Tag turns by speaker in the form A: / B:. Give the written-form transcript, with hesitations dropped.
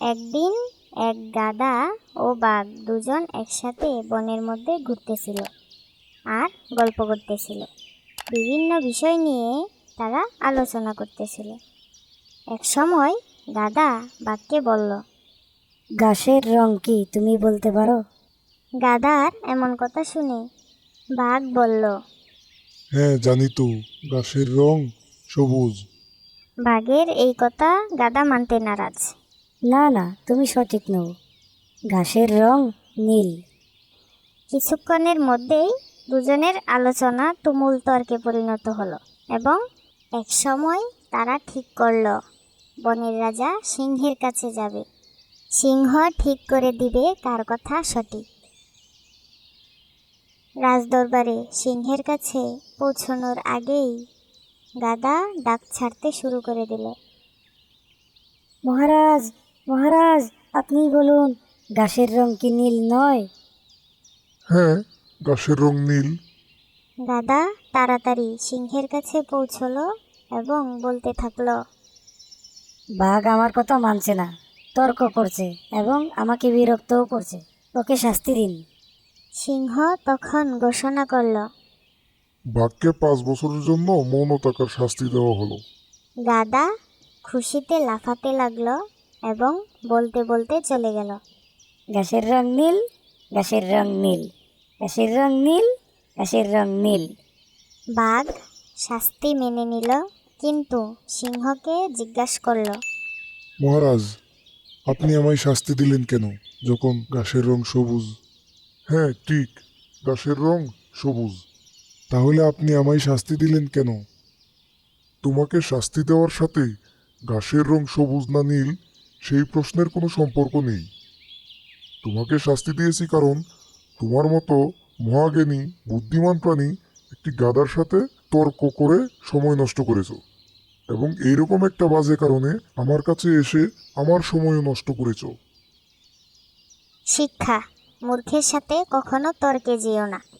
A: একদিন এক গাধা ও বাঘ দুজন একসাথে বনের মধ্যে ঘুরতেছিল আর গল্প করতেছিল। বিভিন্ন বিষয় নিয়ে তারা আলোচনা করতেছিল। এক সময় গাধা বাঘকে বলল,
B: ঘাসের রং কি তুমি বলতে পারো?
A: গাধার এমন কথা শুনে বাঘ বলল,
C: হ্যাঁ জানি তো, ঘাসের রং সবুজ।
A: বাঘের এই কথা গাধা মানতে নারাজ।
B: না না, তুমি সঠিক নও। ঘাসের রং নীল।
A: কিছুক্ষণের মধ্যেই দুজনের আলোচনা তুমুল তর্কে পরিণত হলো এবং এক সময় তারা ঠিক করলো বনের রাজা সিংহের কাছে যাবে। সিংহ ঠিক করে দিবে কার কথা সঠিক। রাজদরবারে সিংহের কাছে পৌঁছানোর আগেই গাধা ডাক ছাড়তে শুরু করে দিল।
B: মহারাজ, মহারাজ, আপনিই বলুন, ঘাসের রং কি নীল নয়?
C: হ্যাঁ, ঘাসের রং নীল।
A: গাধা তাড়াতাড়ি সিংহের কাছে পৌঁছলো এবং বলতে থাকলো,
B: বাঘ আমার কথা মানছে না, তর্ক করছে এবং আমাকে বিরক্তও করছে। ওকে শাস্তি দিন।
A: সিংহ তখন ঘোষণা করল।
C: বাঘকে 5 বছরের জন্য মৌন থাকার শাস্তি দেওয়া হলো।
A: গাধা খুশিতে লাফাতে লাগলো এবং বলতে বলতে চলে গেল।
B: ঘাসের রং নীল, ঘাসের রং নীল, ঘাসের রং নীল, ঘাসের রং নীল।
A: বাঘ শাস্তি মেনে নিল, কিন্তু সিংহকে জিজ্ঞাসা করলো,
C: মহারাজ, আপনি আমায় শাস্তি দিলেন কেন যখন ঘাসের রং সবুজ? হ্যাঁ ঠিক, ঘাসের রং সবুজ। তাহলে আপনি আমায় শাস্তি দিলেন কেন? তোমাকে শাস্তি দেওয়ার সাথে ঘাসের রং সবুজ না নীল সেই প্রশ্নের কোনো সম্পর্ক নেই। তোমাকে শাস্তি দিয়েছি কারণ তোমার মতো মহাজ্ঞানী বুদ্ধিমান প্রাণী একটি গাধার সাথে তর্ক করে সময় নষ্ট করেছো, এবং এইরকম একটা বাজে কারণে আমার কাছে এসে আমার সময়ও নষ্ট করেছো।
A: শিক্ষা, মূর্খের সাথে কখনো তর্কে যেও না।